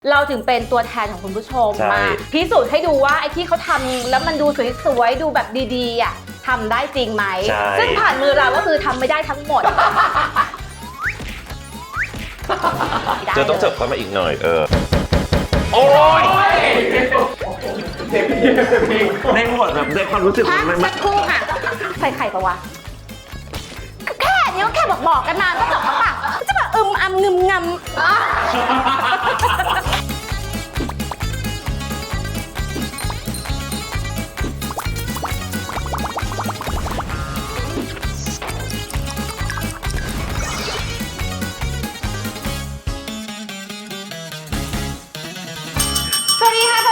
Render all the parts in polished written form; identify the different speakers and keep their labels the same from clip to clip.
Speaker 1: เราถึงเป็นตัวแทนของคุณผู้ชมมาพิสูจน์ให้ดูว่าไอ้ที่เขาทำแล้วมันดูสวยๆดูแบบดีๆอ่ะทำได้จริงไหมซึ่งผ่านมือเราก็คือทำไม่ได้ทั้งหมด
Speaker 2: จะต้องเสิร์ฟเข้ามาอีกหน่อยโอ้ยในหมดแบบในความรู้สึก
Speaker 1: มันสักครู่ค่ะใส่ไข่ปะวะแค่นี้ก็แค่บอกกันมาก็จบแล้วป่ะจะแบบอำงึมงำสวัสดีค่ะ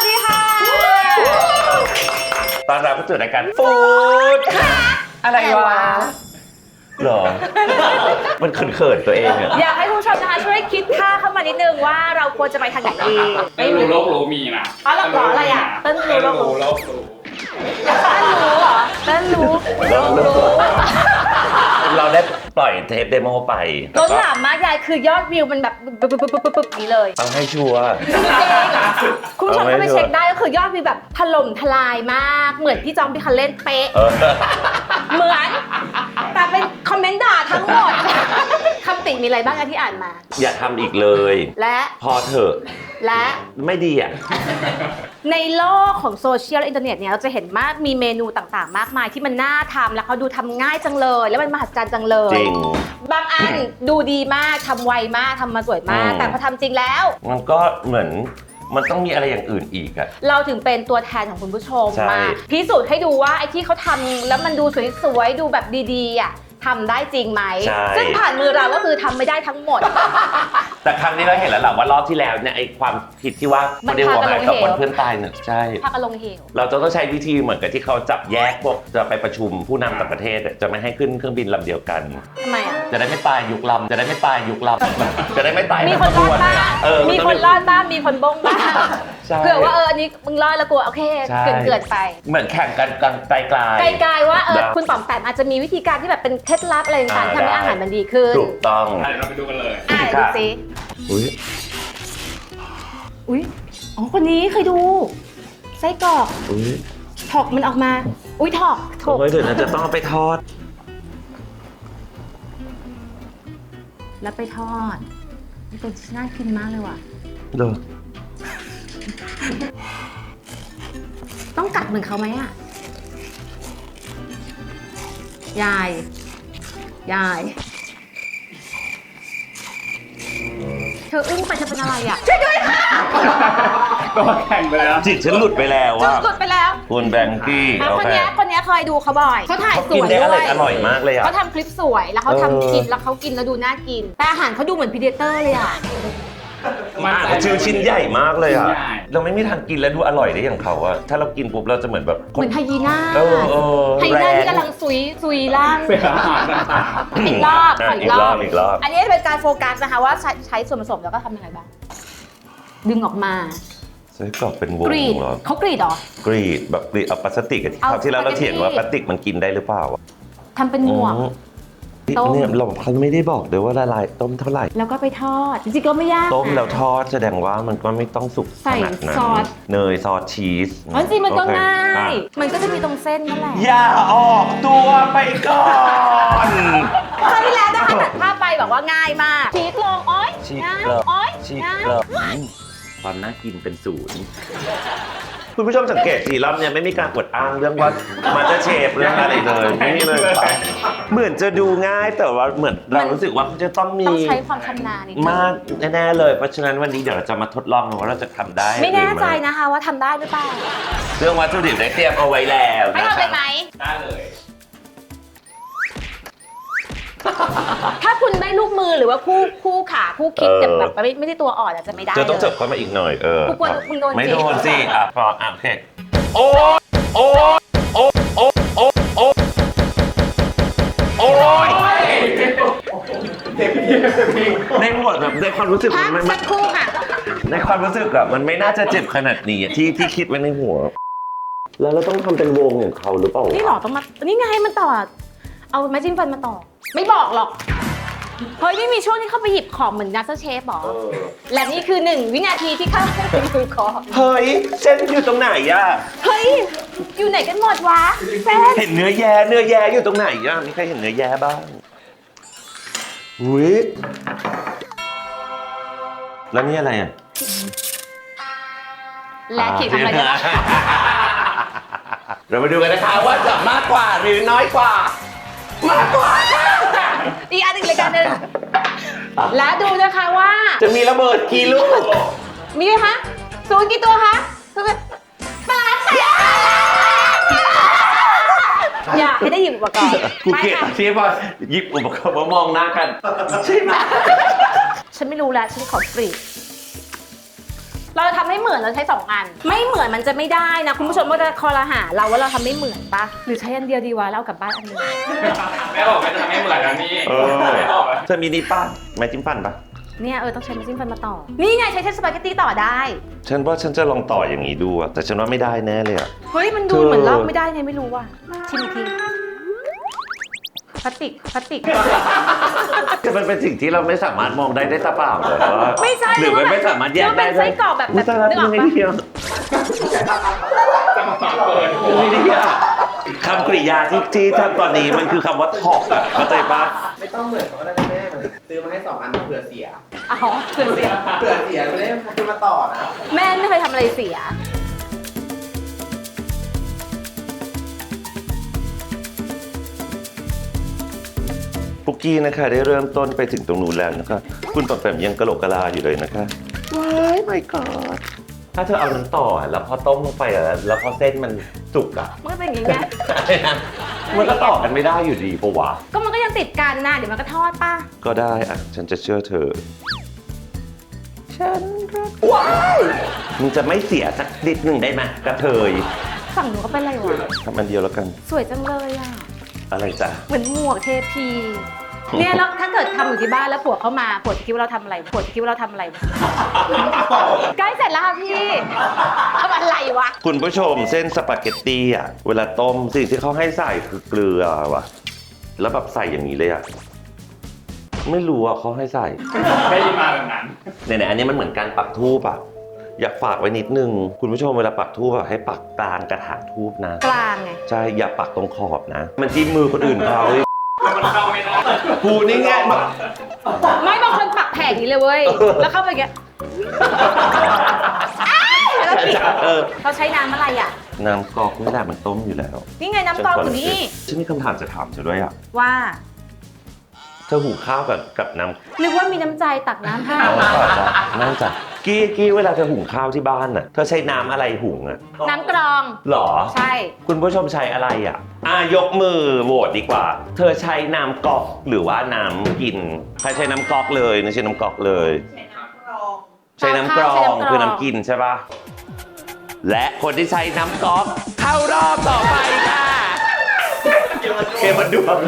Speaker 2: ตอนเราก็เจอรายการฟู้ด
Speaker 1: อะไรวะ
Speaker 2: หรอมันเขินๆตัวเองอะ
Speaker 1: อยากให้ผู้ชมนะคะช่วยคิดท่าเข้ามานิดนึงว่าเราควรจะไปทางไหนดี
Speaker 3: ไม่รู้โลกรู้มีนะ
Speaker 1: อ๋อหรออะไรอ่ะเต้นรู้โลกรู้
Speaker 3: โลกรู้
Speaker 1: เหรอเต้นรู้โลกรู้
Speaker 2: เราได้ปล่อยเทปเดโมไป
Speaker 1: ล้นหลามมากยายคือยอดวิวมันแบบปึ๊บนี้เลย
Speaker 2: ต้องให้ชัวร์
Speaker 1: คุณผู้ชมก็ไปเช็คได้ก็คือยอดวิวแบบถล่มทลายมากเหมือนพี่จอมพี่คันเล่นเป๊ะเหมือนแต่เป็นคอมเมนต์ด่าทั้งหมดคำติมีอะไรบ้างที่อ่านมา
Speaker 2: อย่าทำอีกเลย
Speaker 1: และ
Speaker 2: พอเถอะ
Speaker 1: และ
Speaker 2: ไม่ดีอ่ะ
Speaker 1: ในโลกของโซเชียลและอินเทอร์เน็ตเนี่ยเราจะเห็นมากมีเมนูต่างๆมากมายที่มันน่าทำแล้วเขาดูทำง่ายจังเลยแล้วมันมหัศจรรย์จังเลย
Speaker 2: จริง
Speaker 1: บางอันดูดีมากทำไวมากทำมาสวยมากแต่พอทำจริงแล้ว
Speaker 2: มันก็เหมือนมันต้องมีอะไรอย่างอื่นอีกอะ
Speaker 1: เราถึงเป็นตัวแทนของคุณผู้ชมมาพิสูจน์ให้ดูว่าไอ้ที่เขาทำแล้วมันดูสวยๆดูแบบดีๆอ่ะทำได้จริงไหมซึ่งผ่านมือเราก็คือทำไม่ได้ทั้งหมด
Speaker 2: แต่ครั้งนี้เราเห็นแล้วแหละว่ารอบที่แล้วเนี่ยไอ้ความผิดที่ว่าไม่ได้หัวหายกับคนเพื่อนตายเนี่ยใช่
Speaker 1: พักอารมณ์เหว
Speaker 2: เราจะต้องใช้วิธีเหมือนกับที่เขาจับแยกพวกจะไปประชุมผู้นำต่างประเทศจะไม่ให้ขึ้นเครื่องบินลำเดียวกัน
Speaker 1: ทำไมอ่ะ
Speaker 2: จะได้ไม่ตายยุคลำจะได้ไม่ตายยุคลำจะได้ไม่ตาย
Speaker 1: มีคนรอดบ้างมีคนรอดบ้างมีคนบ้งบ้างเผื่อว่าอันนี้มึงรอดแล้วกลัวโอเคเกินไป
Speaker 2: เหมือนแข่งกันไกล
Speaker 1: ๆว่าคุณป๋อมแปมอาจจะมีวิธีการที่แบบเป็นเคล็ดลับอะไรต่างๆทำให้อาหารมันดีขึ้น
Speaker 2: ถูกต้อง
Speaker 3: เราไปดูกันเลย
Speaker 1: ดูสิ
Speaker 2: อุ้
Speaker 1: ยอ๋อคนนี้เคยดูไส้กรอกถอกมันออกมาถอก
Speaker 2: เฮ้ยเดี๋ยวนะจะต้องเอาไปทอด
Speaker 1: แล้วไปทอดนี่เป็นน่ากินมากเลยว่ะ
Speaker 2: ดู
Speaker 1: ต้องกัดเหมือนเขาไหมอ่ะยายเธออึ้งไปเธอเป็นอะไรอ่ะช่วยด้วยค่ะ
Speaker 3: ก็แข่งไปแล้ว
Speaker 2: จิตฉันหลุดไปแล้วว่า
Speaker 1: หลุดไปแล้ว
Speaker 2: คุณแบงกี้
Speaker 1: คนนี้เคยดูเขาบ่อยเขาถ่ายสวย
Speaker 2: ด้วยอร่อยมากเลยอ่ะ
Speaker 1: เขาทำคลิปสวยแล้วเขาทำคลิปแล้วเขากินแล้วดูน่ากินแต่อาหารเขาดูเหมือนพีเดเตอร์เลยอ่ะ
Speaker 2: ชื่อชิ้นใหญ่มากเลยอ่ะเราไม่มีทางกินแล้วดูอร่อยได้อย่างเขาอ่ะถ้าเรากินปุ๊บเราจะเหมือนแบบ
Speaker 1: เหมือนไฮยีน่าไฮยีน่าที่กำลังซุยล่างอีกรอบอันนี้เป็นการโฟกัสนะคะว่าใช้ส่วนผสมแล้วก็ทำยังไงบ้างดึงออกมา
Speaker 2: ไส้กรอกเป็นวงเหรอ
Speaker 1: เขากรีดเหรอก
Speaker 2: รีดแบบกรีดเอาพลาสติกที่เราเถียงว่าพลาสติกมันกินได้หรือเปล่า
Speaker 1: ทำเป็นหมวก
Speaker 2: เนี่ยเราเขาไม่ได้บอกเลยว่าละลายต้มเท่าไหร่
Speaker 1: แล้วก็ไปทอดจริงๆก็ไม่ยาก
Speaker 2: ต้มแล้วทอดแสดงว่ามันก็ไม่ต้องสุก
Speaker 1: ใส่ซอส
Speaker 2: เนยซอสชีส
Speaker 1: จริงมันก็ง่ายมันก็จะมีตรงเส้นนั่นแหละ
Speaker 2: อย่าออกตัวไปก่อน
Speaker 1: คราวที่แล้วนะคะตัดภาพไปบอกว่าง่ายมากชีสลงง่าย
Speaker 2: ง่ายความน่ากินเป็นศูนย์คุณผู้ชมสังเกตทีรอบเนี่ยไม่มีการอวดอ้างเรื่องว่ามันจะเชฟเรื่องอะไรเลยไม่มีเลยเหมือนจะดูง่ายแต่ว่าเหมือนเรารู้สึกว่าจะต้อง
Speaker 1: ใช้ความชำนาญ
Speaker 2: มากแน่ๆเลยเพราะฉะนั้นวันนี้เดี๋ยวเราจะมาทดลองว่าเราจะทำได้
Speaker 1: ไม่แน่ใจนะคะว่าทำได้หรือเปล่า
Speaker 2: เรื่องวัตถุดิบได้เตรียมเอาไว้แล้ว
Speaker 1: ให้ทำเลยไหม
Speaker 3: ได้เลย
Speaker 1: ถ้าคุณได้ลูกมือหรือว่าคู่ขาคู่คิดแบบไม่ได้ตัวอ่อนอาจจะไม่ได้
Speaker 2: จะต้องเสิร์ฟเข้ามาอีกหน่อย
Speaker 1: คุณโดน
Speaker 2: ไม่โดนสิพอโอเคโอ้ยในหมดแบบในความรู้สึก
Speaker 1: มันสักครู่ค่ะ
Speaker 2: ในความรู้สึกอะมันไม่น่าจะเจ็บขนาดนี้ที่คิดไว้ในหัวแล้วเราต้องทำเป็นวงอย่างเขาหรือเปล่า
Speaker 1: นี่หรอต้องมานี่ไงมันต่อเอาไม้จิ้มฟันมาต่อไม่บอกหรอกเฮ้ยไม่มีช่วงที่เข้าไปหยิบของเหมือนนักเชฟหรอ และนี่คือ1 วินาทีที่เข้าไปหยิบของ
Speaker 2: เฮ้ยเส้นอยู่ตรงไหนอะ
Speaker 1: เฮ้ย อยู่ไหนกันหมดวะแฟน
Speaker 2: เห็นเนื้อแย่อยู่ตรงไหนอะมีใครเห็นเนื้อแย่บ้างอุ้ยแล้วนี่อะไรอะ
Speaker 1: และขีดทำอะไรกันวะ
Speaker 2: เรามาดูกันนะคะว่าจะมากกว่าหรือน้อยกว่า มากกว่า
Speaker 1: อีกอันหนึ่งรายการหนึ่งและดูนะคะว่า
Speaker 2: จะมีระเบิดกี่ลูก
Speaker 1: มีไหมคะ0กี่ตัวคะปาแตกอยากให้ได้หยิบอุปกรณ์
Speaker 2: กู
Speaker 1: ไป
Speaker 2: เกลียด
Speaker 1: ค่ะ
Speaker 2: ที่พอหยิบอุปกรณ์มามองหน้ากันใช่ไหม
Speaker 1: ฉันไม่รู้แล้วฉันขอกรีดเราจะทำให้เหมือนเราใช้2 อัน ไม่เหมือนมันจะไม่ได้นะคุณผู้ชมก็จะคอรหาเราว่าเราทำไม่เหมือนปะหรือใช้อันเดียวดีวะแล้วเอากลับบ้านอันหนึง
Speaker 3: แม่บอกไม่จะทำให้เหมือนแล้วนี่
Speaker 2: เออ
Speaker 3: ไม่บอกเลย
Speaker 2: เธอมีนี่ป้าไม้จิ้มฟันปะ
Speaker 1: เนี่ยต้องใช้ไม้จิ้มฟันมาต่อนี่ไงใช้เส้นสปาเกตตี้ต่อได้
Speaker 2: ฉันว่าฉันจะลองต่ออย่างนี้ดูอะแต่ฉันว่าไม่ได้แน่เลยอะ
Speaker 1: เฮ้ยมันดูเหมือนลอกไม่ได้ไงไม่รู้ว่ะชิมอีกทีพลาสติก
Speaker 2: คือมันเป็นสิ่งที่เราไม่สามารถมองได้ด้วยตาเปล่าเลยว่า
Speaker 1: ไม่ใช่
Speaker 2: หรือมันไม่สามารถแยกได้
Speaker 1: เป็นไส้กรอกแบบ
Speaker 2: อุ๊ยตายแล้ว
Speaker 1: นึกออก
Speaker 2: ไม่
Speaker 1: ปะ
Speaker 2: ได้เดียว
Speaker 3: จะมาเปิด
Speaker 2: ไม่ได้อะคำกริยาที่ทำตอนนี้มันคือคำว่าถอกอะเข้าใจปะ
Speaker 4: ไม่ต้องเหมือนเขาก็ได้แม่เหมือนซื้อมาให้2 อันเผื่อเสีย
Speaker 1: อ๋อเสื่อมเสีย
Speaker 4: เผื่อเสียไม่ได้ซื้อมาต่อนะ
Speaker 1: แม่ไม่เคยทำอะไรเสีย
Speaker 2: ปุกกี้นะคะได้เริ่มต้นไปถึงตรงนู้นแล้วนะคะคุณปอมแปมยังกะโหลกกะลาอยู่เลยนะคะว้ายไม่กอดถ้าเธอเอาน้ำต่อแล้วพอต้มลงไปอะแล้วพอเส้นมันสุกอะ
Speaker 1: มันก็เป็นอย่างเงี้ย
Speaker 2: มันก็ต่อกันไม่ได้อยู่ดีปะวะ
Speaker 1: ก็มันก็ยังติดกันนะเดี๋ยวมันก็ทอดป่ะ
Speaker 2: ก็ได้อะฉันจะเชื่อเธอ ฉันรักว้ายมึงจะไม่เสียสักนิดหนึ่งได้ไหมกระเทย
Speaker 1: ฝั่งหนูก็เป็นอะไรวะ
Speaker 2: ทำอันเดียวแล้วกัน
Speaker 1: สวยจังเลยอ่ะ
Speaker 2: อะไรจ้ะ
Speaker 1: เหมือนหมวกเทพี เนี่ยแล้วถ้าเกิดทำอยู่ที่บ้านแล้วผัวเข้ามาผัวจะคิดว่าเราทำอะไรผัวจะคิดว่าเราทำอะไร ใกล้เสร็จแล้วค่ะพี่ทำอะไรวะ
Speaker 2: คุณผู้ชมเส้นสปาเกตตี้อ่ะเวลาต้มสิ่งที่เขาให้ใส่คือเกลือว่ะ แล้วแบบใส่อย่างนี้เลยอ่ะ ไม่รู้อ่ะเขาให้ใส่
Speaker 3: ได้ยินมาแบบนั้น
Speaker 2: เนี่ยอันนี้มันเหมือนการปักธูปอ่ะ อยากฝากไว้นิดนึง คุณผู้ชมเวลาปักธูปอ่ะให้ปักกลางกระถางธูปนะ
Speaker 1: กลางไง
Speaker 2: ใช่ อย่าปักตรงขอบนะ มันจิ้มมือคนอื่นเขา
Speaker 3: มันเข้าไม่ได้
Speaker 2: กูนี่ไง
Speaker 1: ไม่บางคนปักแผ่นนี้เลยเว้ย แล้วเข้าไปอย่างเงี้ยอ้ายแล้วปิด
Speaker 2: เออ
Speaker 1: เขาใช้น้ำอะไรอ่ะ
Speaker 2: น้ำกอกไม่ได้มันต้มอยู่แล้ว
Speaker 1: นี่ไงน้ำกรองอยู่นี่
Speaker 2: ฉันมีคำถามจะถามเธอด้วยอ่ะ
Speaker 1: ว่า
Speaker 2: เธอหุงข้าวกับน้ำ
Speaker 1: นึกว่ามีน้ำใจตักน้ำให้
Speaker 2: เอาต่อจ้ะนั่งจ้ะกี้เวลาเธอหุงข้าวที่บ้านน่ะ เธอใช้น้ำอะไรหุงอ่ะ
Speaker 1: น้ำกรอง
Speaker 2: หรอ
Speaker 1: ใช่
Speaker 2: คุณผู้ชมใช้อะไรอ่ะยกมือโหวตดีกว่า เธอใช้น้ำก๊อกหรือว่าน้ำกิน ใครใช้น้ำก๊อกเลยไม่ใช่น้ำก๊อกเลย ใช้น้ำกรองคือน้ำกินใช่ปะและคนที่ใช้น้ำก๊อกเข้ารอบต่อไปค่ะเกมมันดวง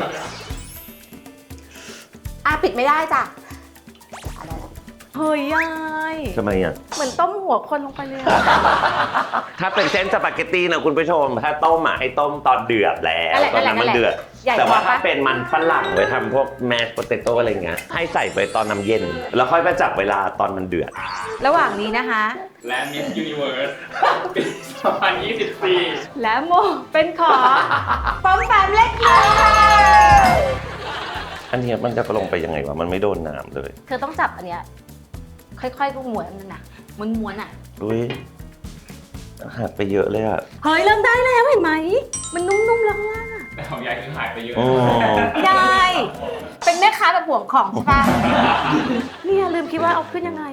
Speaker 1: ปิดไม่ได้จ้ะเฮ้ยยาย
Speaker 2: ทำไมอ่ะ
Speaker 1: เหมือนต้มหัวคนลงไปเลย
Speaker 2: ถ้าเป็นเส้นสปาเกตตี้นะคุณผู้ชม ถ้าต้มอ่ะให้ต้มตอนเดือดแล้วตอนนั้นมันเดือด แต่ว่าถ้าเป็นมันฝรั่งไว้ทำพวกแมสโปเตโต้อะไรเงี้ยให้ใส่ไปตอนน้ำเย็น แล้วค่อยมาจับเวลาตอนมันเดือด
Speaker 1: ระหว่างนี้นะคะ
Speaker 3: และ Miss Universe ปี2024
Speaker 1: และโมเป็นของปอมแปมเล็กน้อย
Speaker 2: อันเนี้ยมันจะลงไปยังไงวะมันไม่โดนน้ำเลย
Speaker 1: เธอต้องจับอันเนี้ยค่อยๆก็ม้วนมันนะม้วนๆอ่ะ
Speaker 2: อุ้ยหักไปเยอะเลยอ่ะ
Speaker 1: เฮ้ยเริ่มได้แล้วเห็นไหม มันนุ่มๆแล้วข้างล่างอะ
Speaker 3: แต่ของยายคือหายไปเยอะ
Speaker 2: โอ้
Speaker 1: ยายเป็นแม่ค้าแบบห่วงของใช่ปะเนี่ยลืมคิดว่าเอาขึ้นยังไง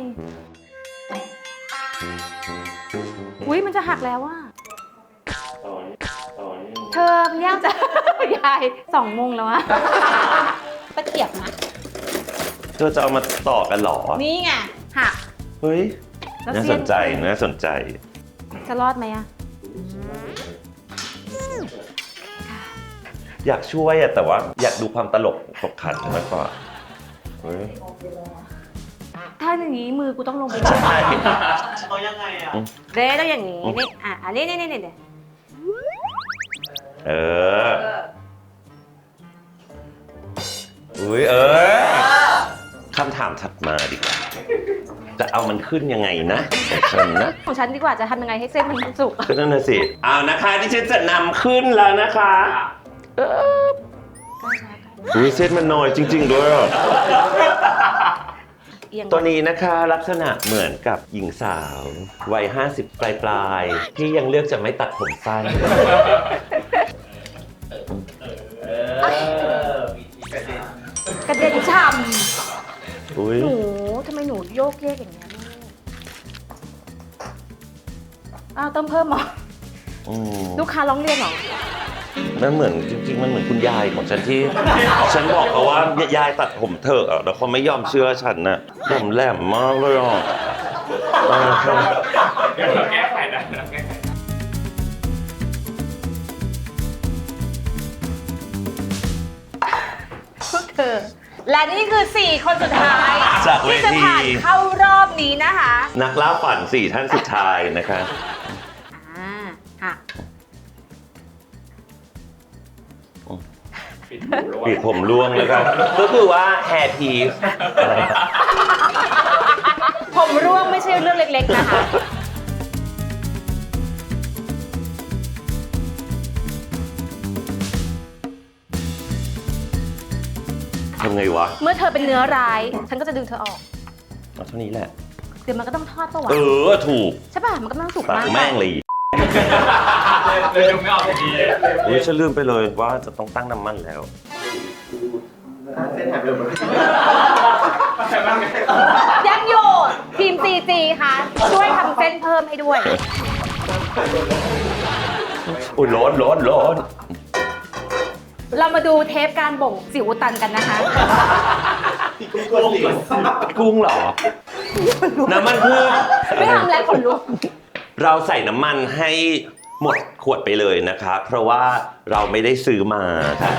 Speaker 1: อุ้ยมันจะหักแล้วว่ะเธอมันยากจะ ยาย2 โมงแล้วอะตะเกียบนะ
Speaker 2: เธอจะเอามาต่อกันเหรอ
Speaker 1: นี่ไงหัก
Speaker 2: เฮ้ย
Speaker 1: แล้ว
Speaker 2: น่า
Speaker 1: เสี้
Speaker 2: ส
Speaker 1: ยน
Speaker 2: นใจน่าสนใจ
Speaker 1: จะรอดไหมอะ
Speaker 2: อยากช่วยอะแต่ว่าอยากดูความตลกขบขันมากกว่าเฮ้ย
Speaker 1: ถ้าอย่างนี้มือกูต้องลงไป
Speaker 2: ใช่
Speaker 4: เขายังไงอ่ะ
Speaker 1: เด้ต้องอย่างนี้นี่อันนี้นี่
Speaker 2: เอออุ้ยคำถามถัดมาดีกว่า จะเอามันขึ้นยังไงนะของฉันนะ
Speaker 1: ของฉันดีกว่าจะทำยังไงให้เส้นมันสุก
Speaker 2: ก็นั่นน่ะสิเอานะคะที่ฉันจะนำขึ้นแล้วนะคะอุ้ยเส้นมันน้อยจริงๆด้วยอ่ะ
Speaker 1: เอียง
Speaker 2: ตัวนี้นะคะลักษณะเหมือนกับหญิงสาววัย50 ปลายๆที่ยังเลือกจะไม่ตัดผมสั้น
Speaker 1: กระเด็นฉ่
Speaker 2: อุ้ย
Speaker 1: ำหนูทำไมหนูโยกเยกอย่างเงี้ยลูกอ้าวเติมเพิ่มเหรอ
Speaker 2: อืม
Speaker 1: ลูกค้าร้องเรียนเหรอ
Speaker 2: มันเหมือนจริงๆมันเหมือนคุณยายของฉันที่ ฉันบอกเขาว่ายายตัดผมเถอะอ่ะแล้วเขาไม่ยอมเชื่อฉันน่ะผมแหลมมากเลยอ่ะ
Speaker 3: เดี๋ยวเราแก้ไขได้เราแก้ไข
Speaker 1: พวกเธอ และนี่คือ 4 คนสุดท้าย
Speaker 2: จากเว
Speaker 1: ที่จะ
Speaker 2: ที
Speaker 1: ผ่านเข้ารอบนี้นะคะ
Speaker 2: นักล่าฝัน4 ท่านสุดท้ายนะคะ
Speaker 1: ค่ะ
Speaker 3: ปิดหูแล้ว
Speaker 2: ปิดผมร่วงแล้วกันก็คือว่าแฮร์พีซ
Speaker 1: ผมร่วงไม่ใช่เรื่องเล็กๆนะคะ
Speaker 2: ทำไงวะ
Speaker 1: เมื่อเธอเป็นเนื้อร้าย ฉันก็จะดึงเธอออก
Speaker 2: เอาเท่านี้แหละ
Speaker 1: เดี๋ยวมันก็ต้องทอดปะวะ
Speaker 2: ถูก
Speaker 1: ใช่ป่ะ มันก็ต้องสุก
Speaker 2: ตัด
Speaker 1: มาก
Speaker 2: แม่งเลย
Speaker 3: เลยดูไม่ออกที
Speaker 2: อุ้ยฉันลืมไปเลยว่าจะต้องตั้งน้ำมันแล้ว
Speaker 4: เส้นหายไปหมด
Speaker 3: ใช่บ้างไง
Speaker 1: ยังอยู่ทีม CG ค่ะ ช่วยทำเส้นเพิ่มให้ด้วย
Speaker 2: อุ้ยร้อน
Speaker 1: เรามาดูเทปการบ่งสิวอุดตันกันนะคะ
Speaker 2: กุ้งเหรอ น้ำมันพืช
Speaker 1: ไม่ทำแล้วขนลุก
Speaker 2: เราใส่น้ำมันให้หมดขวดไปเลยนะคะเพราะว่าเราไม่ได้ซื้อมาค่ะ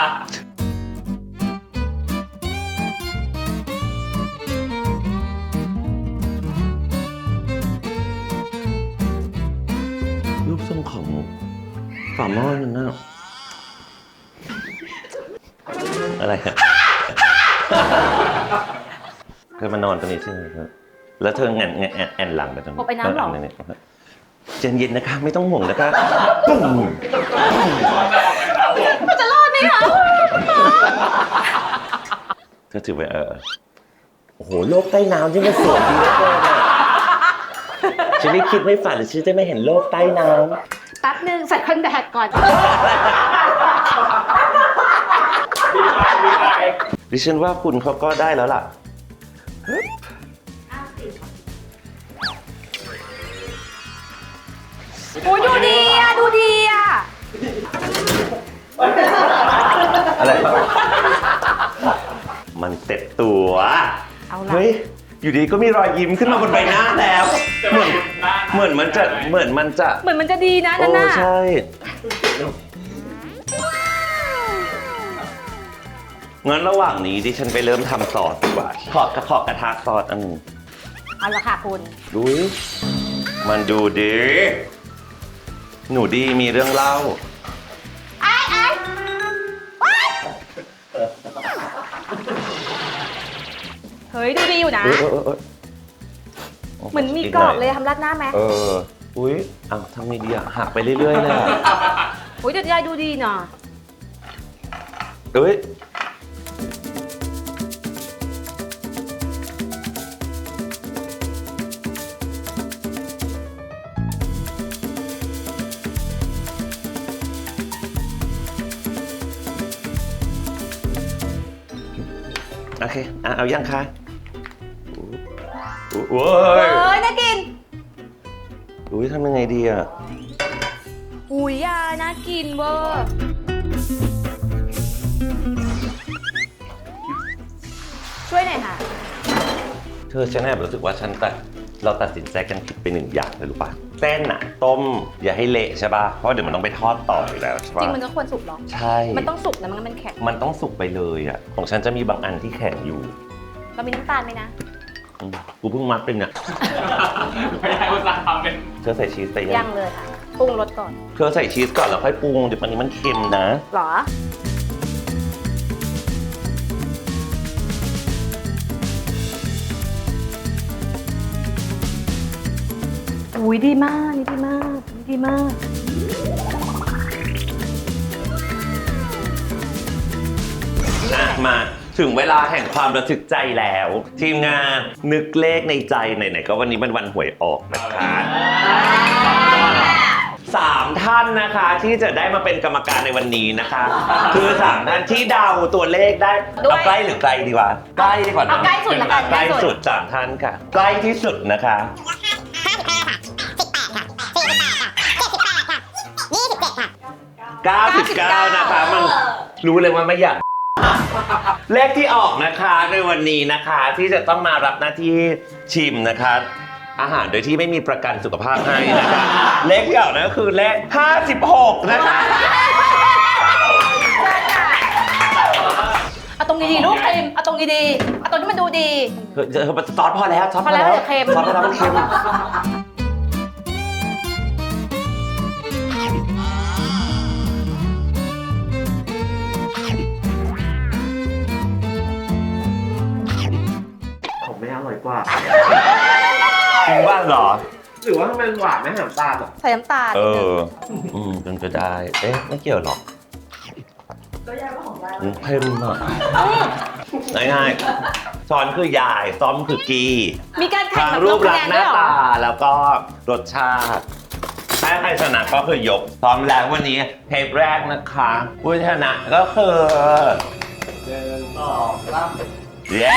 Speaker 2: รูปทรงของฝาหม้อนั่นน่ะอะไรฮะ เธอมานอนตรงนี้ใช่ไหมครับแล้วเธอแอนหลังไปตรงนี้
Speaker 1: เอาไปน้ำเหรอ
Speaker 2: เย็นๆนะคะ ไม่ต้องห่วงนะคะปุ้ง
Speaker 1: จะรอดไหมคะ
Speaker 2: เธอถือไปโอ้โหโลกใต้น้ำที่มันสวยดีเหลือเกินอ่ะฉันไม่คิดไม่ฝันเลยฉันจะไม่เห็นโลกใต้น้
Speaker 1: แป๊บนึงใส่คอนแทคก่อน
Speaker 2: ำดิฉันว่าคุณเขาก็ได้แล้วล่ะ
Speaker 1: โอ้ยดูดีอ่ะ ดูดีอ่ะ
Speaker 2: อะไร มันเต็มตัว
Speaker 1: เอาล่ะ
Speaker 2: เฮ้ย อยู่ดีก็มีรอยยิ้มขึ้นมาบนใบหน้าแล้ว เหมือนมันจะ
Speaker 1: เหมือนมันจะดีนะนั่นน่ะ
Speaker 2: ใช่งั้นระหว่างนี้ดิฉันไปเริ่มทำซอสดีกว่าขอกระทะซอสอันหนึง
Speaker 1: เอาละค่ะคุณ
Speaker 2: ดูดิมันดูดี หนูดีมีเรื่องเล่า
Speaker 1: เฮ้ย ดูดีอยู่นะ
Speaker 2: เออ
Speaker 1: เหมือนมีกรอบเลยทำราดหน้าไหม
Speaker 2: อุ้ยอ้าวทำไงดีอะหักไปเรื่อยๆเลยอะ
Speaker 1: อุ้ยเดี๋ยวยายดูดีเนาะ
Speaker 2: เอ้ยโอเคเอายังคะโว้ย
Speaker 1: เฮ้ย น่ากิน
Speaker 2: อุ้ยทำยังไงดีอะ
Speaker 1: อุ้ยยาน่ากินเวอร์ช่วยหน่อยค่ะ
Speaker 2: เธอฉันแอบรู้สึกว่าเราตัดสินใจกันผิดไปหนึ่งอย่างเลยรู้ป่ะเส้นอะต้มอย่าให้เละใช่ป่ะเพราะเดี๋ยวมันต้องไปทอดต่ออยู่แล้วใช่
Speaker 1: จ
Speaker 2: ป่ะ
Speaker 1: ริงมันก็ควรสุกหรอ
Speaker 2: ใช่
Speaker 1: มันต้องสุกนะมันแข็ง
Speaker 2: มันต้องสุกไปเลยอะของฉันจะมีบางอันที่แข็งอยู่
Speaker 1: เรามีน้ำตาลไหมนะ
Speaker 2: กูเพิ่งมัดเป็นเนี่ย
Speaker 3: ไม่ได้อุตส่าห์ทำเป็น
Speaker 2: เธอใส่ชีสไป
Speaker 1: ยั
Speaker 2: ยัง
Speaker 1: เลยค่ะปรุงรสก่อน
Speaker 2: เธอใส่ชีสก่อนแล้วค่อยปรุงเดี๋ยวมันนี้มันเค็มนะ
Speaker 1: หรออุ้ยดีมากนี่ดีมากนี่ดีมาก
Speaker 2: มาถึงเวลาแห่งความระทึกใจแล้ว ทีมงานนึกเลขในใจไหนๆก็วันนี้มันวันหวยออกนะคะ3 ท่านนะคะที่จะได้มาเป็นกรรมการในวันนี้นะคะ คือ3 ท่านที่เดาตัวเลขได้เอาใกล้หรือไกลดีกว่าใกล้ดีกว่านะ
Speaker 1: เอาใกล้สุดละกัน
Speaker 2: ใกล้สุด3 ท่านค่ะ ใกล้ที่สุดนะคะ99นะคะมันรู้เลยว่าไม่อยากเลขที่ออกนะคะในวันนี้นะคะที่จะต้องมารับหน้าที่ชิมนะคะ อาหารโดยที่ไม่มีประกันสุขภาพให้นะคะเลขที่ออกนะก็คือเลข56นะคะ
Speaker 1: เอาตรงดีๆลูกเค็มเอาตรงดีๆเอาตรงที่มันดูดี
Speaker 2: ซอสพอแล้วซอสพอแล้ว
Speaker 1: พอแล้วเดี๋ยวเค็ม
Speaker 2: ซอสพอแล้วมันเค็ม
Speaker 4: ของแม่อร่อยกว่า
Speaker 2: จริงบ้าเหรอ
Speaker 4: หรือว่ามันหวานไหมน้ำตาลอ่ะ
Speaker 1: ใส่น้ำตาล
Speaker 2: เอ
Speaker 1: นิดนึง
Speaker 2: เป็นไปได้ เอ๊ะ ไม่เกี่ยวหรอก ก็ยายว่าของยายเค็มอ่ะง่ายๆช้อนคือยายซ้อมคือกี
Speaker 1: มีการแข่ง
Speaker 2: ทาง
Speaker 1: แบบ
Speaker 2: รู
Speaker 1: ล
Speaker 2: ป
Speaker 1: งคะ
Speaker 2: ลั
Speaker 1: แน
Speaker 2: กษ
Speaker 1: น
Speaker 2: ณ์ห
Speaker 1: ด้ว
Speaker 2: น้าย
Speaker 1: เหรอ
Speaker 2: ตาแล้วก็รสชาติ ถ้าใครชนะก็คือยกซ้อมแล้ววันนี้เทปแรกนะคะผู้ชนะก็คือ
Speaker 4: 1 2 3
Speaker 2: เย้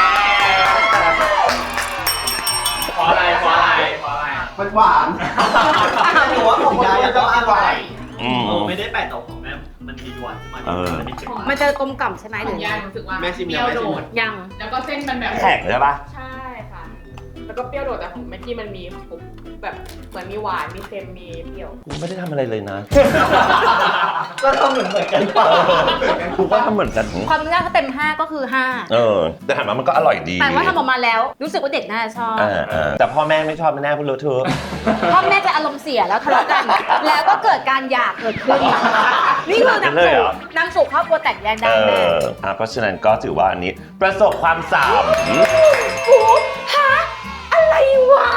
Speaker 3: เพราะอะไรเพราะอะไรเพราะอะไร
Speaker 4: มันหวานหนูว่าของยายต้องอร่อย
Speaker 2: อืม
Speaker 5: ไม่ได้แปลกแต่ของแม่มันมีหวานขึ้นมา
Speaker 2: เออ
Speaker 5: มันมีเค็ม
Speaker 1: มันจะกลมกล่อมใช่ไหมห
Speaker 6: ข
Speaker 1: รือ อง
Speaker 6: ยา
Speaker 1: ยั
Speaker 6: ย
Speaker 1: ง
Speaker 6: รู้สึกว่า
Speaker 4: แม่ชิม
Speaker 6: เป
Speaker 4: ยั
Speaker 6: รี้
Speaker 4: ง
Speaker 6: ยว
Speaker 4: ไม่ชิม
Speaker 6: โดด
Speaker 1: ยัง
Speaker 6: แล้วก็เส้นมันแบบ
Speaker 2: แข็งใช่ปะ
Speaker 6: ใช่ค่ะ แล้วก็เปรี้ยวโดดแต่ของแม็กกี้มันมีแบบเหมือนมีหวานมีเค็มมีเปรี้ยว
Speaker 2: กูไม่ได้ทำอะไรเลยนะ
Speaker 4: ก็ทำเหมือนกันเปล่า
Speaker 2: กูก็ทำเหมือนกัน
Speaker 1: ความยากถ้าเต็ม 5 ก็คือ
Speaker 2: แต่ถามว่ามันก็อร่อยดี
Speaker 1: 5 แต่ว่าทำออกมาแล้วรู้สึกว่าเด็กน่าจะชอบ
Speaker 2: แต่พ่อแม่ไม่ชอบไม่แน่พูดรู้เธอะ
Speaker 1: พ่อแม่จะอารมณ์เสียแล้วทะเลาะกัน แล้วก็เกิดการหย่าเกิดขึ้น นี่คือนำสู่ครอบครัวแตกแยกได้แม่
Speaker 2: เพราะฉะนั้นก็ถือว่าอันนี้ประสบความสาม
Speaker 1: โอ้ฮะอะไรวะ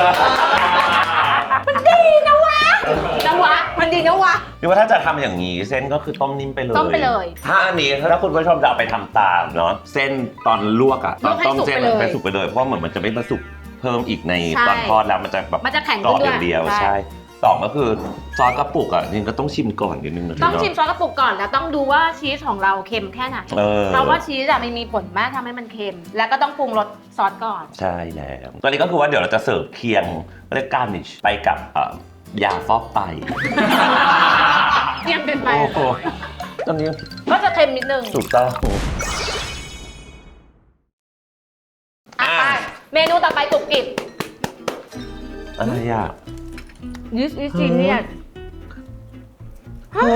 Speaker 1: มันดีนะวะมันดีนะวะ
Speaker 2: นี่ว่าถ้าจะทำอย่างนี้เส้นก็คือต้มนิ่มไปเลย
Speaker 1: ต้มไปเลย
Speaker 2: ถ้าอันนี้ถ้าคุณผู้ชมจะเอาไปทำตามเนาะเส้นตอนลวกอะตอนต้มเส้น
Speaker 1: ลวกให้สุกไปเลย
Speaker 2: ไปสุกไปเลยเพราะเหมือนมันจะไม่มาสุกเพิ่มอีกใน
Speaker 1: ใช่
Speaker 2: ตอนทอดแล้วมันจะแบบ
Speaker 1: มันจะแข็ง
Speaker 2: กรอบ
Speaker 1: ขึ้น
Speaker 2: อ
Speaker 1: ด้วย
Speaker 2: ย่างเดียว
Speaker 1: ใช่
Speaker 2: ใช่สองก็คือซอสกระปุกอะจริงก็ต้องชิมก่อนนิดนึงนะ
Speaker 1: ต้อง
Speaker 2: เนาะ
Speaker 1: ชิมซอสกระปุกก่อนแล้วต้องดูว่าชีสของเราเค็มแค่ไหน เพราะว่าชีสอะมันมีผลมากทำให้มันเค็ม แล้วก็ต้องปรุงรสซอสก่อน
Speaker 2: ใช่แล้วตอนนี้ก็คือว่าเดี๋ยวเราจะเสิร์ฟเคียงเรียกการนิชไปกับยาฟอกไต
Speaker 1: เยี่ยมเป็นไป
Speaker 2: โอ้โหตอนนี้
Speaker 1: ก็จะเค็มนิดนึง
Speaker 2: ถูกต้อง
Speaker 1: อ่ะไปเมนูต่อไปกรุบกริบ
Speaker 2: อะไรอ่ะ
Speaker 1: This is genius
Speaker 2: ฮะ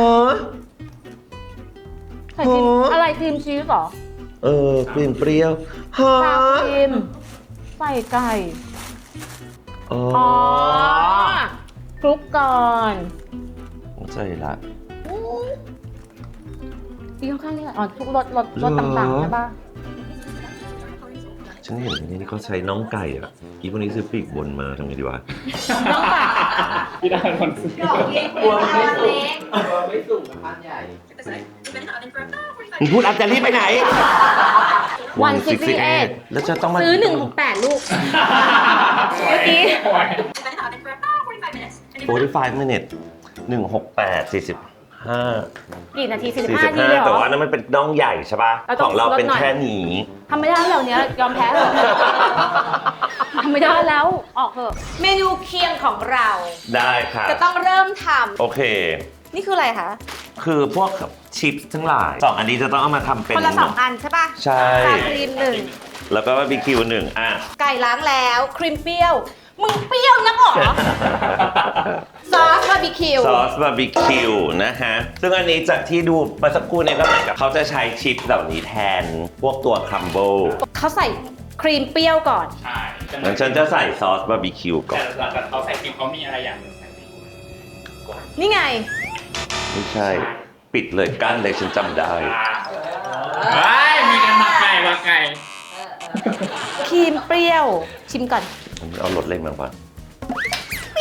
Speaker 1: ใส่ครีมอะไรครีมชีสเหรอ
Speaker 2: กลิ่นเปรี้ยวฮะ
Speaker 1: ซาครีมใส่ไก่
Speaker 2: อ๋อ
Speaker 1: อ๋อคลุกก่อน
Speaker 2: ใช่ละ
Speaker 1: พี่ข้างๆนี่แหละอ๋อทุกรสต่างๆใช่ปะ
Speaker 2: ฉันเห็นในนี้เขาใช้น้องไก่อ่ะอีพวกนี้ซื้อปีกบนมาทำไงดีวะ
Speaker 1: น้องไก่
Speaker 3: พี่ได้คนซื้อก
Speaker 4: ลัวไม่สุกไม่สุกกับพันใหญ่
Speaker 2: มึงพูดอันจะรีบไปไหน
Speaker 1: 168
Speaker 2: แล้วจะต้องมา
Speaker 1: ซื้อ168 ลูก เมื่อกี้
Speaker 2: 45 minutes 168 45
Speaker 1: กี่นาที45 นาทีเลยเหร
Speaker 2: แต่
Speaker 1: อ
Speaker 2: ว่านั้นมันเป็นน่องใหญ่ใช่ป่ะ
Speaker 1: เราต้
Speaker 2: ข
Speaker 1: อง
Speaker 2: องเราเป็น
Speaker 1: ลดหน่อย
Speaker 2: แค่นี้
Speaker 1: ทำไม่ได้แล้วเนี้ยยอมแพ้เถอะทำไม่ได้แล้วออกเถอะเมนูเคียงของเรา
Speaker 2: ได้ค่ะ
Speaker 1: จะต้องเริ่มท
Speaker 2: โอเค
Speaker 1: ำนี่คืออะไรคะ คือ
Speaker 2: พวกชิปทั้งหลาย2 อันนี้จะต้องเอามาทำเป็น
Speaker 1: คนละ2 อันใช่ปะ
Speaker 2: ใช่
Speaker 1: ซาครีม
Speaker 2: แล้วก็บาร์บีคิว1อ่ะ
Speaker 1: 1ไก่ล้างแล้วครีมเปรี้ยว มึงเปรี้ยวนักเหรอ ซอสบาร์บีคิว
Speaker 2: ซอสบาร์บีคิวนะฮะ ซึ่งอันนี้จากที่ดูเมื่อสักครู่เนี่ยก็เหมือนกับเขาจะใช้ชิปเหล่านี้แทนพวกตัวครัมเบิล
Speaker 1: เขาใส่ครีมเปรี้ยวก่อน
Speaker 3: ใช่
Speaker 2: งั้นฉันจะใส่ซอสบาร์บีคิวก่อน
Speaker 3: แต่เขาใส่ครีมเขามีอะไรอย่างหนึงใส่ครีม
Speaker 1: นี่ไง
Speaker 2: ไม่ใช่ ปิดเลยกั้นเลยฉันจำได้
Speaker 3: เฮ้ยมีกันมาไก่มาไก่
Speaker 1: ครีมเปรี้ยว ชิมก่อน
Speaker 2: เอารสเล่นมาก่อน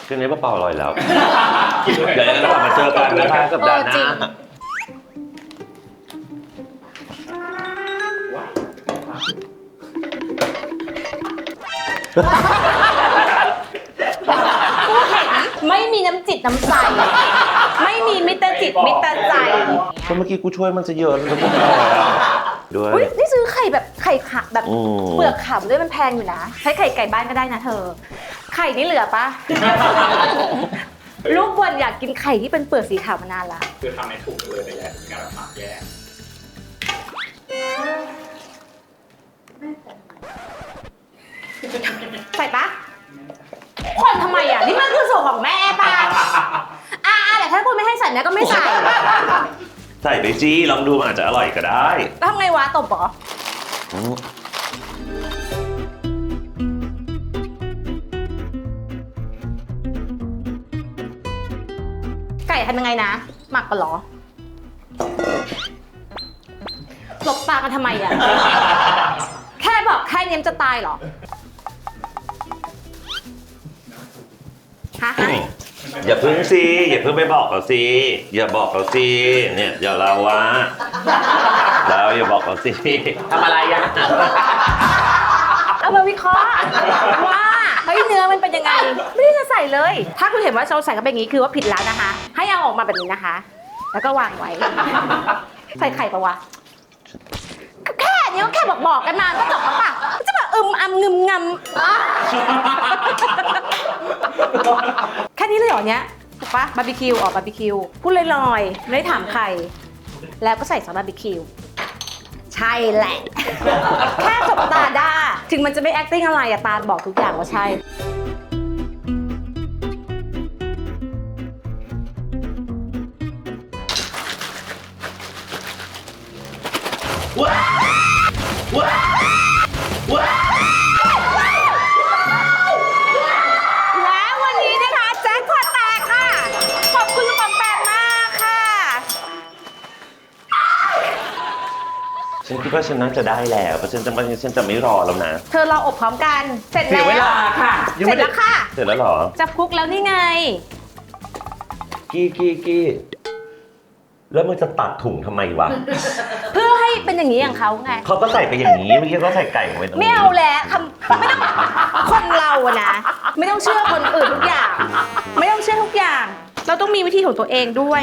Speaker 2: คืนนี้เปล่าๆอร่อยแล้ว เดี๋ยวเรากลับมาเจอกันนะคะสัปดาห์หน้า
Speaker 1: กูเห็นไม่มีน้ำจิตน้ำใจ ไม่มีมิตรจิตมิตรใจ
Speaker 2: ก็เมื่อกี้กูช่วยมันจะเยอะแล้วก็ไม่พอแล้วด้วย
Speaker 1: อุ้ยนี่ซื้อไข่แบบไข่ขาวแบบ
Speaker 2: อืม
Speaker 1: เปลือกขาวด้วยมันแพงอยู่นะ ใช้ไข่ไก่บ้านก็ได้นะเธอ ไข่นี่เหลือปะ ลูกบอลอยากกินไข่ที่เป็นเปลือกสีขาวมานานละ
Speaker 3: คือทำในถุงเลยแต่แยกการหมักแยก
Speaker 1: ใส่ปะคนทำไมอ่ะ นี่มันคือส่วนของแม่ปะแต่ถ้าคุณไม่ให้ใส่เนี่ยก็ไม่ใส่
Speaker 2: ใส่ไปจี้ลองดูมันอาจจะอร่อยก็ได้
Speaker 1: แล้วทำไงวะตบเหรอ
Speaker 2: อืม
Speaker 1: ไก่ทำยังไงนะ หมักกันเหรอหลบตากันทำไมอ่ะ แค่บอกแค่นี้มันจะตายเหรอ ฮะ
Speaker 2: อย่าพึ่งสิอย่าพึ่งไปบอกเขาสิอย่าบอกเขาสิเนี่ยอย่าเราวะเราอย่าบอกเขาสิทำอะไรอ่ะ
Speaker 1: เอามาวิเคราะห์ว่าเฮ้ยเนื้อมันเป็นยังไง ไม่ได้จะใส่เลย ถ้าคุณเห็นว่าเราใส่กันแบบนี้คือว่าผิดแล้วนะคะ ให้เอาออกมาแบบนี้นะคะ แล้วก็วางไว้ ใส่ไข่ปะวะก็แค่นี้ก็แค่บอกกันมาก็จบแล้วปะจะแบบงึมงำอ่ะแค่นี้เลยเหรอเนี้ยถูกปะบาร์บีคิวบาร์บีคิวพูดลอยๆไม่ได้ถามใคร แล้วก็ใส่ซอสบาร์บีคิวใช่แหละ แค่สบตาด้าถึงมันจะไม่ acting อะไรอะตาบอกทุกอย่างว่าใช่แล้ววันนี้นะคะแจ็คพอตแตกค่ะ ขอบคุณคุณปอมแปมมากค่ะ
Speaker 2: ฉันคิดว่าฉันน่าจะได้แล้วเพราะฉันจะไม่รอแล้วนะ
Speaker 1: เธอรออบพร้อมกัน เสร็จ
Speaker 2: เสี
Speaker 1: แล้
Speaker 2: ยว เวลาค่ะยัง
Speaker 1: เสร็
Speaker 2: ไม่
Speaker 1: จ
Speaker 2: ได้
Speaker 1: แล้วค่ะ
Speaker 2: เสร็จแล้วเหรอ
Speaker 1: จะคลุกแล้วนี่ไง
Speaker 2: กี้แล้วมึงจะตัดถุงทำไมวะ
Speaker 1: เพื่อให้เป็นอย่างนี้อย่างเขาไง
Speaker 2: เขาก็ใส่ไปอย่างนี้เมื่อกี้เขาใส่ไก่ลงไปตรงนี้
Speaker 1: ไม่เอาแล้วไม่ต้องคนเราอะนะ ไม่ต้องเชื่อคนอื่นทุกอย่าง ไม่ต้องเชื่อทุกอย่าง เราต้องมีวิธีของตัวเองด้วย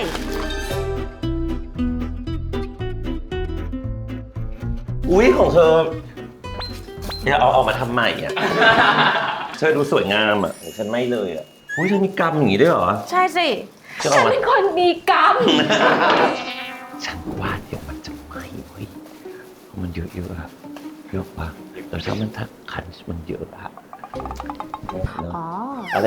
Speaker 2: อุ้ยของเธออย่าเอามาทำใหม่อ่ะ เธอดูสวยงามอ่ะฉันไม่เลยอ่ะอุ้ยเธอมีกรรมอย่างนี้ด้วยเหรอ
Speaker 1: ใช่สิ
Speaker 2: จะ
Speaker 1: ฉั
Speaker 2: เอา
Speaker 1: น
Speaker 2: มา
Speaker 1: เป็นคนมีกรรม
Speaker 2: ฉันว่าเดี๋ยวมันจะไหม้เว้ยเพราะมันเยอะๆอะเยอะปะแต่ถ้ามันถ้าคันมันเยอะอะ
Speaker 1: อ๋อ
Speaker 2: อะไร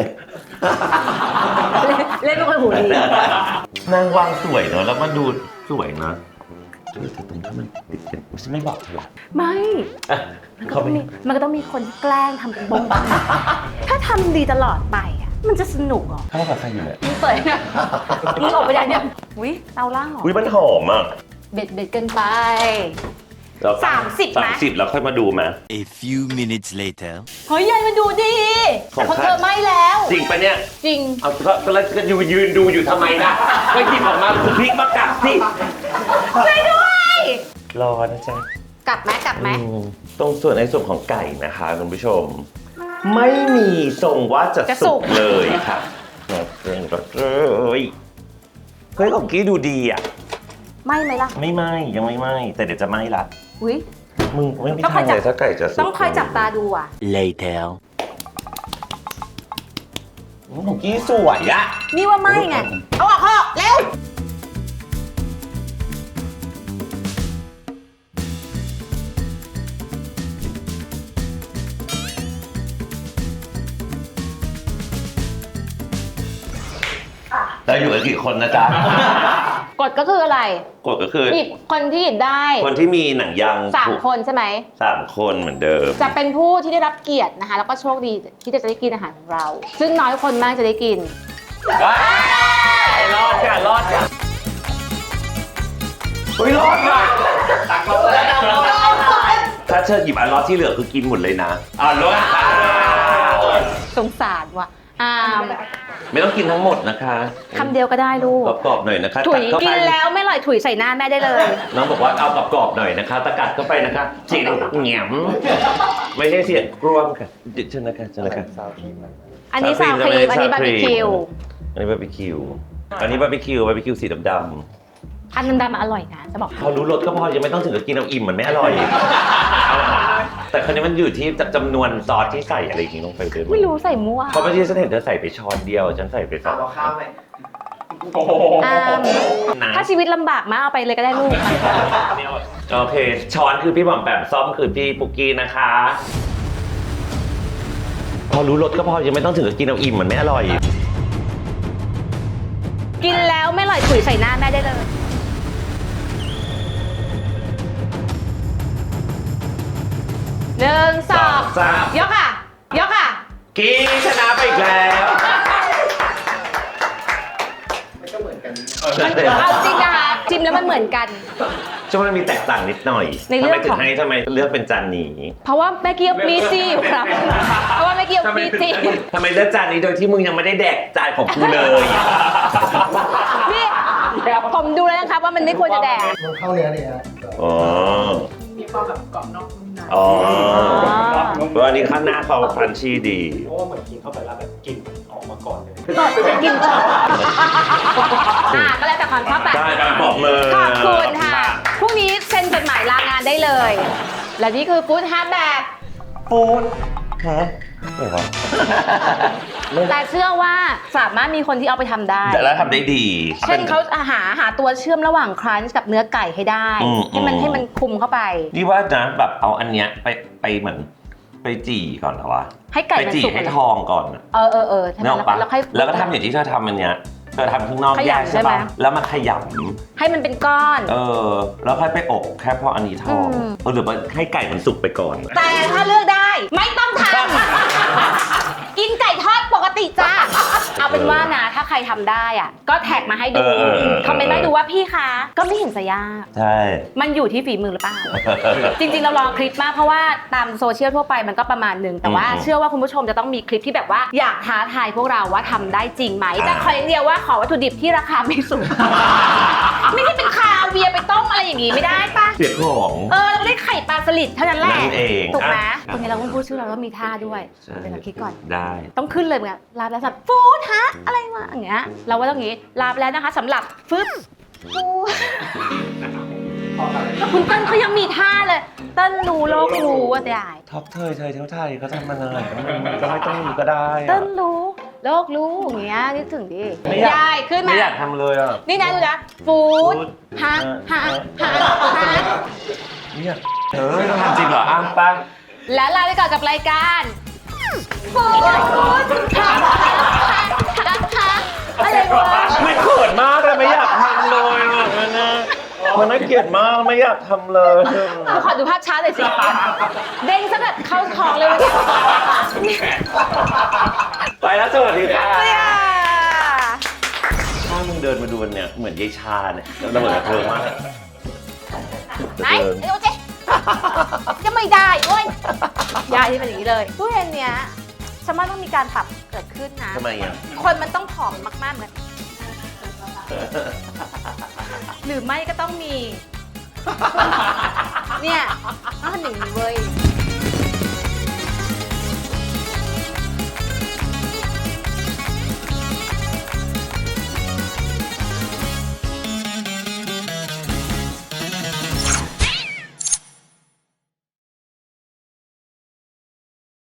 Speaker 1: เล่นเป็นคนหูดี
Speaker 2: นางวางสวยเนอะแล้วมันดูสวยนะแต่ตรงที่มันติดกันฉันไม่บอกเธอหรอก
Speaker 1: ไม่
Speaker 2: อ่ะ
Speaker 1: มันก็ต้องมีคนแกล้งทำเป็นบ้งบังถ้าทำดีตลอดไปอะมันจะสนุกเหรอ
Speaker 2: ถ้ากับใครอยู่เนี่ย
Speaker 1: มึงเปิดนะมึงออกไปยังเนี่ยอุ้ยเตาล่างเหรอ
Speaker 2: อุ้ยมันหอมอ่ะ
Speaker 1: เบ็ดเกินไป
Speaker 2: เรา
Speaker 1: 30ไหม
Speaker 2: 30แล้วค่อยมาดูไหม
Speaker 7: A few minutes later.
Speaker 1: เฮ้ยยายมันดูดี
Speaker 2: ของ
Speaker 1: แต่ของ
Speaker 2: ใคร
Speaker 1: เธอไม่แล้ว
Speaker 2: จริงปะเนี่ย
Speaker 1: จริง
Speaker 2: เอาก็แล้วจะยืนดูอยู่ทำไมนะไม่หยิบออกมาพลิกมากลับสิ
Speaker 1: ช่วยด้วย
Speaker 2: รอนะจ๊ะ
Speaker 1: กลับไหม
Speaker 2: ตรงส่วนในส่วนของไก่นะคะคุณผู้ชม ไม่มีทรงว่าจะสุกเลยค่ะเลยเฮ้ยของกี้ดูดีอ่ะ
Speaker 1: ไม่ไหมล่ะ
Speaker 2: ไม่ไหมยังไม่ไหมแต่เดี๋ยวจะไหมละ
Speaker 1: อุ้ย
Speaker 2: มึงไม่มี
Speaker 1: ต้องค
Speaker 2: ทา
Speaker 1: อย
Speaker 2: ง
Speaker 1: จั
Speaker 2: เล
Speaker 1: บ
Speaker 2: ยถ้าไก่จะสุก
Speaker 1: ต้องคอยจับตาดูอ่ะ
Speaker 7: Later.
Speaker 2: ของกี้สวยอ่ะ
Speaker 1: นี่ว่าไม่ไง เอาออกเร็ว
Speaker 2: เราอยู่กันกี่คนนะจ๊ะ
Speaker 1: กฎก็คืออะไร
Speaker 2: กฎก็คือ
Speaker 1: หยิบคนที่หยิบได้
Speaker 2: คนที่มีหนังยาง
Speaker 1: 3 คนใช่ไหม
Speaker 2: 3 คนเหมือนเดิม
Speaker 1: จะเป็นผู้ที่ได้รับเกียรตินะคะ แล้วก็โชคดีที่จะได้กินอาหารของเรา ซึ่งน้อยคนมากจะได้กิน
Speaker 2: รอดค่ะรอดค่ะเฮ้ยรอดค่ะ
Speaker 3: ตักเขาเลย
Speaker 2: ถ้าเธอหยิบอันรอดที่เหลือคือกินหมดเลยนะรอดค่ะ
Speaker 1: สงสารว่ะ
Speaker 2: ไม่ต้องกินทั้งหมดนะคะ
Speaker 1: คำเดียวก็ได้ลูก
Speaker 2: กรอบๆหน่อยนะคะ
Speaker 1: ถุย
Speaker 2: เข้า
Speaker 1: กิ
Speaker 2: ไป
Speaker 1: นแล้วไม่อร่อยถุยใส่หน้าแม่ได้เลย
Speaker 2: น้องบอกว่าเอากรอบๆหน่อยนะคะตะกัดเข้าไปนะคะจิกแหนมไม่ใช่เสียงกรวมค่ะเชิญนะคะเชิญนะคะ
Speaker 1: อันนี้ซาวครีมอันนี้บาร์บีคิว
Speaker 2: อันนี้บาร์บีคิวอันนี้บาร์บีคิวสีดำ
Speaker 1: อันดำๆอร่อยนะจะบอก
Speaker 2: ๆพอรู้รสก็พอยังไม่ต้องถึงกับกินเอาอิ่มมันไม่อร่อย แต่คราวนี้มันอยู่ที่จำนวนซอสที่ใส่อะไรอย่างงี้ลงไปด้วย
Speaker 1: ไม่รู้ใส่มั่ว
Speaker 2: เพราะเมื่อกี้ฉันเห็นเธอใส่ไปช้อนเดียวฉันใส่ไปสอง
Speaker 4: เอาข้าวไหม
Speaker 3: โอ้โห
Speaker 2: นะ
Speaker 1: ถ้าชีวิตลำบากมากเอาไปเลยก็ได้ลูก
Speaker 2: โอเคช้อนคือพี่บอมแปมซ่อมคือพี่ปุกกี้นะคะ พอรู้รสก็พอยังไม่ต้องถึงกับกินเอาอิ่มมันไม่อร่อย
Speaker 1: กินแล้วไม่อร่อยถุยใส่หน้าแม่ได้เลยหนึ่งสอง
Speaker 2: สาม
Speaker 1: ยกค่ะ ยกค่ะ
Speaker 2: กี้ชนะไปอีกแล้ว
Speaker 4: มันก็เหมือนกัน
Speaker 1: เอาจริงนะคะจิ้มแล้วมันเหมือนกัน
Speaker 2: ช่วงนั้นมีแตกต่างนิดหน่อย
Speaker 1: ในเรื่องของ
Speaker 2: ทำไมเลือกเป็นจานนี้
Speaker 1: เพราะว่าแม่เกียวมีซี่อยู่ครับ เพราะว่าแม่เกียวมีซี่
Speaker 2: ทำไมเลือกจานนี้โดยที่มึงยังไม่ได้แดกจานของกูเลย
Speaker 1: นี่ผมดูแล้วนะครับว่ามันไม่ควรจะแดก
Speaker 4: มันเข้าเนื้อเนี่ย
Speaker 2: อ๋อ
Speaker 6: มีความแบบกรอบนอกนุ่มใน
Speaker 2: อ๋อเพราะอันนี้ข้างหน้าเขาครันชี่ดี
Speaker 5: เพราะว่าเหมือนกินเข้าไปแล้วแบบกลิ่นออกมาก่อนเลย
Speaker 1: ก่อนจะกินก่อนก็แล้วแต่ความชอบแบบ
Speaker 2: ได้การปรบมือ
Speaker 1: ขอบคุณค่ะ พรุ่งนี้เซ็นจดหมายลางานได้เลย และนี่คือฟู้ดฮาร์ดแบบ
Speaker 2: ฟูดฮะไม่วะ
Speaker 1: แต่เชื่อว่าสามารถมีคนที่เอาไปทำได้
Speaker 2: แล้วทำได้ดี
Speaker 1: เช่นเขาหาตัวเชื่อมระหว่างครันช์กับเนื้อไก่ให้ได้ ให้มันคุมเข้าไป
Speaker 2: นี่ว่านะแบบเอาอันเนี้ยไปเหมือนไปจี่ก่อนเหรอวะ
Speaker 1: ให้ไก่
Speaker 2: ไป
Speaker 1: มัน
Speaker 2: จี่
Speaker 1: สุก
Speaker 2: ให้ทองก่อนอะ
Speaker 1: เออใช่ไหม
Speaker 2: นึกออกปะ
Speaker 1: แล้วค่อย
Speaker 2: แล้วก็ทำอย่างที่เธอทำอันเนี้ยเธอทำข้างนอก
Speaker 1: ข
Speaker 2: แย
Speaker 1: ยำ
Speaker 2: ก
Speaker 1: ใช่
Speaker 2: ใช่
Speaker 1: ไหม
Speaker 2: ปะแล้วมาขย
Speaker 1: ให้มันเป็นก้อน
Speaker 2: ำแล้วค่อยไปอบแค่พออันนี้ทอง
Speaker 1: อืม
Speaker 2: หรือว่าให้ไก่มันสุกไปก่อน
Speaker 1: แต่ถ้าเลือกได้ไม่ต้องทำ กินไก่ทอดปกติจ้าเอาเป็นว่านะถ้าใครทำได้อ่ะก็แท็กมาให้ดูคอมเมนต์มาให้ดูว่าพี่คะก็ไม่เห็นจะยาก
Speaker 2: ใช่
Speaker 1: มันอยู่ที่ฝีมือหรือเปล่า จริงๆ เรารอคลิปมากเพราะว่าตามโซเชียลทั่วไปมันก็ประมาณหนึ่งแต่ว่าเชื่อว่าคุณผู้ชมจะต้องมีคลิปที่แบบว่าอยากท้าทายพวกเราว่าทำได้จริงไหมแต่ขออย่างเดียวว่าขอวัตถุดิบที่ราคาไม่สูง ไม่ใช่เป็นคาเวียร์ไปต้มอะไรอย่างงี้ไม่ได้ปะ
Speaker 2: เสียของ
Speaker 1: เราได้ไข่ปลาสลิดเท่านั้นแหละ
Speaker 2: นั่นเอง
Speaker 1: ถูกไหม
Speaker 2: อ่ะ
Speaker 1: ตรงนี้เราต้องพูดชื่อเราต้องมีท่าด้วย
Speaker 2: ใช่
Speaker 1: เดี๋ยวเราคิดก่อน
Speaker 2: ได้
Speaker 1: ต้องขึ้นเลยเหมือนกันลาบแล้วสับฟูดฮะอะไรวะอย่างเงี้ยเราว่าต้องอย่างงี้ลาบแล้วนะคะสำหรับฟึบฟูดแล้วคุณเติ้ลเขายังมีท่าเลยเติ้ลรู้โลกรู้ว่าได้
Speaker 2: ท็อปเท่าไทยเขาทำมาเลยมันก็ไม่ต้องมีก็ได้อะ
Speaker 1: เติ้ลรู้โลกรู้อย่างเงี้ยนึกถึงดิ
Speaker 2: ไม่อยาก
Speaker 1: ยายขึ้นมา
Speaker 2: ไม่อยากทำเลยอ่ะ
Speaker 1: นี่นะดูนะฟูดฮะฮะฮะฮะ
Speaker 2: ไม่อยากต้องทำจริงเหรออ้าวป้า
Speaker 1: แล้วลาไปก่อนกับรายการฟูดฮะฮะฮะอะไรวะ
Speaker 2: ไม่เขินมากเลยไม่อยากทำเลยอ่ะมันน่าเกลียดมากไม่อยากทำเลย
Speaker 1: ขอดูภาพช้าหน่อยสิเด้งซะแบบเข้าท้องเลยวันนี้
Speaker 2: ไปแล้วสวัสดีค่ะ
Speaker 1: เนี่ย
Speaker 2: ถ้ามึงเดินมาดูเนี่ยเหมือนยายชาเนี่ยเราเหมือนกับเธอมาก
Speaker 1: ไหนไอ้ดูสิจะไม่ได้โอ้ยยายที่เป็นอย่างนี้เลยตู้เย็นเนี้ยฉันว่าต้องมีการปรับเกิดขึ้นนะ
Speaker 2: ทำไมอ่ะ
Speaker 1: คนมันต้องผอมมากๆเหมือนหรือไม่ก็ต้องมี เนี่ยต้องทำอย่างนี้เว้ย